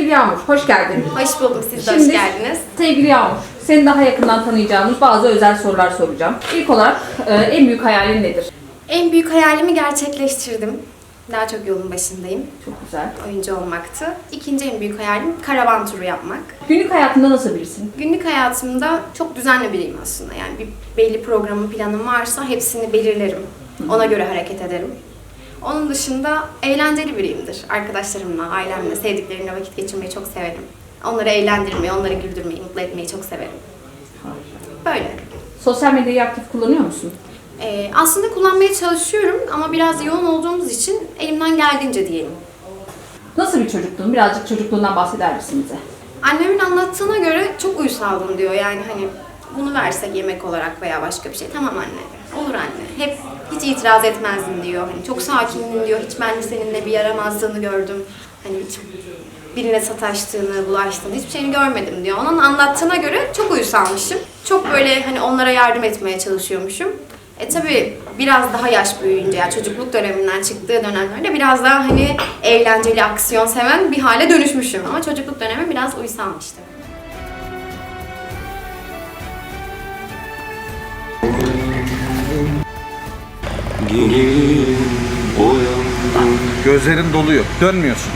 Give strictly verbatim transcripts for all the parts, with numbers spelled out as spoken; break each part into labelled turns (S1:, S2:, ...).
S1: Sevgili Yağmur, hoş geldin.
S2: Hoş buldum, siz de
S1: Şimdi,
S2: hoş geldiniz.
S1: Sevgili Yağmur, seni daha yakından tanıyacağımız bazı özel sorular soracağım. İlk olarak e, en büyük hayalin nedir?
S2: En büyük hayalimi gerçekleştirdim. Daha çok yolun başındayım.
S1: Çok güzel.
S2: Oyuncu olmaktı. İkinci en büyük hayalim karavan turu yapmak.
S1: Günlük hayatında nasıl birisin?
S2: Günlük hayatımda çok düzenli biriyim aslında. Yani bir belli programım, planım varsa hepsini belirlerim. Ona göre hareket ederim. Onun dışında eğlenceli biriyimdir. Arkadaşlarımla, ailemle, sevdiklerimle vakit geçirmeyi çok severim. Onları eğlendirmeyi, onları güldürmeyi, mutlu etmeyi çok severim. Böyle.
S1: Sosyal medyayı aktif kullanıyor musun?
S2: Ee, aslında kullanmaya çalışıyorum ama biraz yoğun olduğumuz için elimden geldiğince diyelim.
S1: Nasıl bir çocukluğun? Birazcık çocukluğundan bahseder misin bize?
S2: Annemin anlattığına göre çok uysaldım diyor. Yani hani bunu versek yemek olarak veya başka bir şey. Tamam anne, olur anne. Hep hiç itiraz etmezdin diyor. Hani çok sakindin diyor. Hiç ben de seninle bir yaramazlığını gördüm. Hani hiç birine sataştığını, bulaştığını hiçbir şeyini görmedim diyor. Onun anlattığına göre çok uysalmışım. Çok böyle hani onlara yardım etmeye çalışıyormuşum. E tabi biraz daha yaş büyüyünce, yani çocukluk döneminden çıktığı dönemlerde biraz daha hani eğlenceli, aksiyon seven bir hale dönüşmüşüm. Ama çocukluk dönemi biraz uysalmıştı.
S3: Gözlerin doluyor. Dönmüyorsun.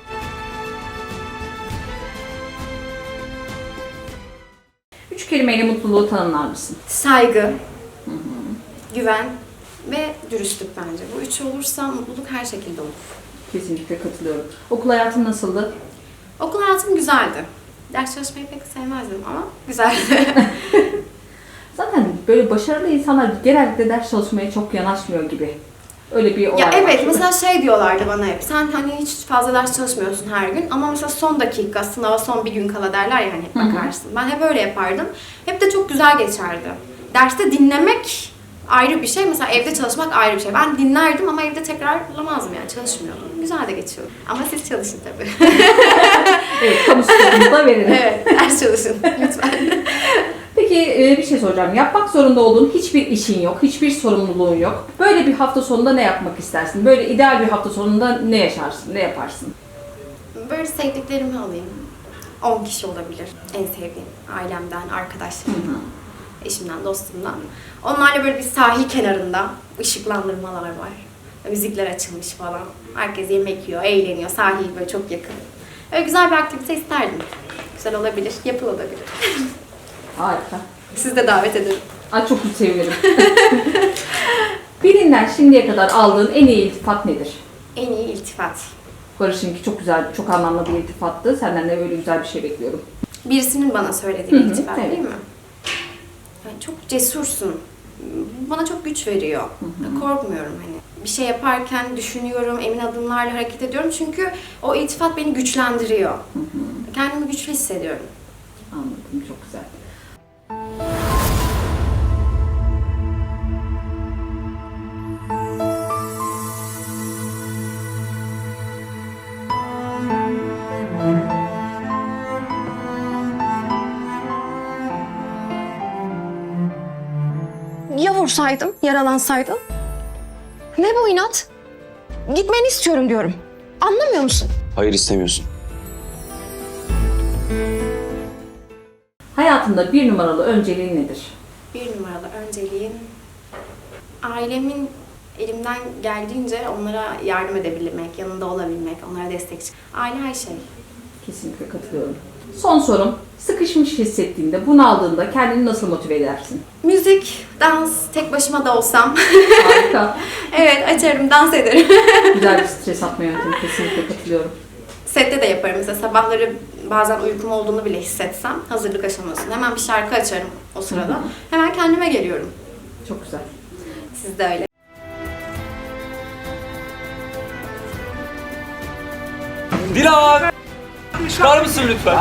S1: Üç kelimeyle mutluluğu tanımlar mısın?
S2: Saygı, hı hı. güven ve dürüstlük bence. Bu üç olursa mutluluk her şekilde olur.
S1: Kesinlikle katılıyorum. Okul hayatın nasıldı?
S2: Okul hayatım güzeldi. Ders çalışmayı pek sevmezdim ama güzeldi.
S1: Zaten böyle başarılı insanlar genellikle ders çalışmaya çok yanaşmıyor gibi. Öyle bir olay
S2: Ya evet,
S1: var.
S2: mesela şey diyorlardı bana hep, sen hani hiç fazla ders çalışmıyorsun her gün ama mesela son dakika, sınava son bir gün kala derler ya hani hep bakarsın. Ben hep öyle yapardım. Hep de çok güzel geçerdi. Derste dinlemek ayrı bir şey, mesela evde çalışmak ayrı bir şey. Ben dinlerdim ama evde tekrarlamazdım yani, çalışmıyordum. Güzel de geçiyordu. Ama siz çalışın tabii.
S1: Evet, kamu sporumu da verelim.
S2: Evet, ders çalışın lütfen.
S1: Peki bir şey soracağım. Yapmak zorunda olduğun hiçbir işin yok, hiçbir sorumluluğun yok. Böyle bir hafta sonunda ne yapmak istersin? Böyle ideal bir hafta sonunda ne yaşarsın, ne yaparsın?
S2: Böyle sevdiklerimi alayım. on kişi olabilir. En sevdiğim. Ailemden, arkadaşlarımdan, eşimden, dostumdan. Onlarla böyle bir sahil kenarında ışıklandırmalar var. Müzikler açılmış falan. Herkes yemek yiyor, eğleniyor. Sahil böyle çok yakın. Öyle güzel bir aktivite isterdim. Güzel olabilir, yapılabilir.
S1: Harika.
S2: Siz de davet ederim.
S1: Ay çok sevinirim. Birinden şimdiye kadar aldığın en iyi iltifat nedir?
S2: En iyi iltifat.
S1: Barış'ınki çok güzel, çok anlamlı bir iltifattı. Senden de böyle güzel bir şey bekliyorum.
S2: Birisinin bana söylediği
S1: Hı hı,
S2: iltifat
S1: evet.
S2: değil mi? Yani çok cesursun. Bana çok güç veriyor.
S1: Hı hı.
S2: Korkmuyorum hani. Bir şey yaparken düşünüyorum, emin adımlarla hareket ediyorum. Çünkü o iltifat beni güçlendiriyor.
S1: Hı hı.
S2: Kendimi güçlü hissediyorum.
S1: Anladım, çok güzel.
S4: Ya vursaydım, yaralansaydım? Ne bu inat? Gitmeni istiyorum diyorum. Anlamıyor musun?
S5: Hayır, istemiyorsun.
S1: Hayatında bir numaralı önceliğin nedir?
S2: Bir numaralı önceliğim ailemin elimden geldiğince onlara yardım edebilmek, yanında olabilmek, onlara destek çıkmak. Aile her şey.
S1: Kesinlikle katılıyorum. Son sorum, sıkışmış hissettiğinde, bunaldığında kendini nasıl motive edersin?
S2: Müzik, dans, tek başıma da olsam.
S1: Harika.
S2: Evet, açarım, dans ederim.
S1: Güzel bir stres atma yöntemi, kesinlikle katılıyorum.
S2: Sette de yaparım. Mesela sabahları bazen uykum olduğunu bile hissetsem hazırlık aşamasında hemen bir şarkı açarım o sırada.
S1: Hı hı.
S2: Hemen kendime geliyorum.
S1: Çok güzel.
S2: Siz de öyle.
S5: Dilan! Çıkar mısın lütfen?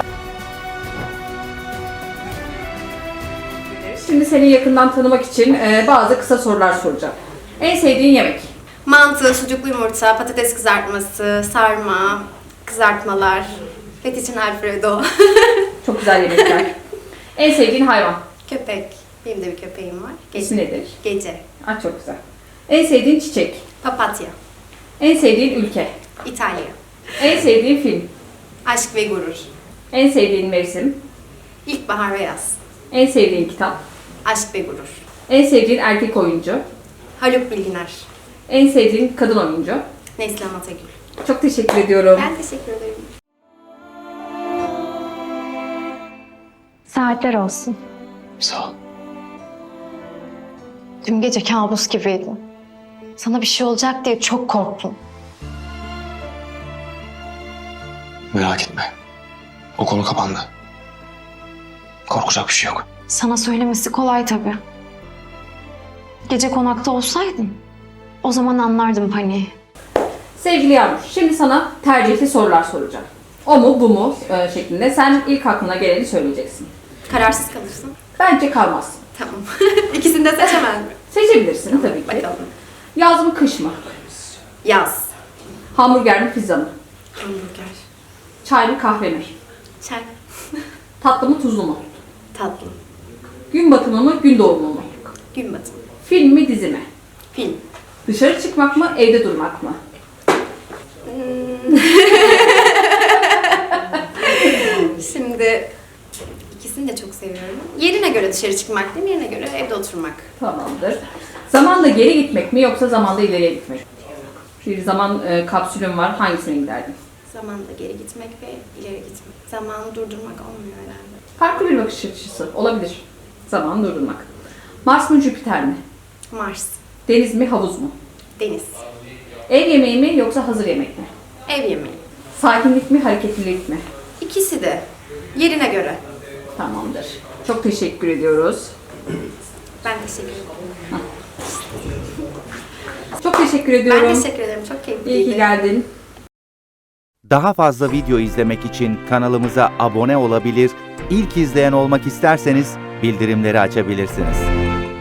S1: Şimdi seni yakından tanımak için e, bazı kısa sorular soracağım. En sevdiğin yemek?
S2: Mantı, sucuklu yumurta, patates kızartması, sarma, kızartmalar, fettuccine alfredo,
S1: Çok güzel yemekler. En sevdiğin hayvan?
S2: köpek. Benim de bir köpeğim var. Gece.
S1: İsmi nedir?
S2: Gece.
S1: Ah, çok güzel. En sevdiğin çiçek?
S2: Papatya.
S1: En sevdiğin ülke?
S2: İtalya.
S1: En sevdiğin film?
S2: Aşk ve gurur.
S1: En sevdiğin mevsim,
S2: İlkbahar ve yaz.
S1: en sevdiğin kitap,
S2: Aşk ve gurur.
S1: en sevdiğin erkek oyuncu,
S2: Haluk Bilginer.
S1: en sevdiğin kadın oyuncu.
S2: Neslihan Atagül.
S1: Çok teşekkür ediyorum.
S2: Ben teşekkür ederim.
S4: Saatler olsun.
S5: Sağ ol.
S4: Dün gece kabus gibiydi. Sana bir şey olacak diye çok korktum.
S5: Merak etme. O konu kapandı. Korkacak bir şey yok.
S4: Sana söylemesi kolay tabii. Gece konakta olsaydın o zaman anlardım paniği.
S1: Sevgili Yağmur, şimdi sana tercihli sorular soracağım. O mu bu mu e, şeklinde sen ilk aklına geleni söyleyeceksin.
S2: Kararsız kalırsın.
S1: Bence kalmazsın.
S2: Tamam. İkisini de seçemez mi?
S1: Seçebilirsin tabii ki.
S2: Bakalım.
S1: Yaz mı kış mı?
S2: Yaz.
S1: Hamburger mi pizza mı?
S2: Hamburger.
S1: Çay mı kahve mi?
S2: Çay.
S1: Tatlı mı tuzlu mu?
S2: Tatlı.
S1: Gün batımı mı gün doğumu mu?
S2: Gün batımı.
S1: Film mi dizi mi?
S2: Film.
S1: Dışarı çıkmak mı evde durmak mı?
S2: Şimdi ikisini de çok seviyorum. Yerine göre dışarı çıkmak değil mi? Yerine göre evde oturmak.
S1: Tamamdır. Zamanda geri gitmek mi yoksa zamanda ileriye gitmek mi? Bir zaman e, kapsülüm var. Hangisine giderdin?
S2: Zamanda geri gitmek ve ileri gitmek. Zamanı durdurmak olmuyor herhalde.
S1: Farklı bir bakış açısı olabilir. Zamanı durdurmak. Mars mı Jüpiter mi?
S2: Mars.
S1: Deniz mi havuz mu?
S2: Deniz.
S1: Ev yemeği mi yoksa hazır yemek mi?
S2: Ev yemeği.
S1: Sakinlik mi hareketlilik mi?
S2: İkisi de. Yerine göre.
S1: Tamamdır. Çok teşekkür ediyoruz.
S2: Ben teşekkür ederim.
S1: Çok teşekkür ediyorum.
S2: Ben teşekkür ederim. Çok keyifliydi.
S1: İyi ki geldin.
S6: Daha fazla video izlemek için kanalımıza abone olabilir, ilk izleyen olmak isterseniz bildirimleri açabilirsiniz.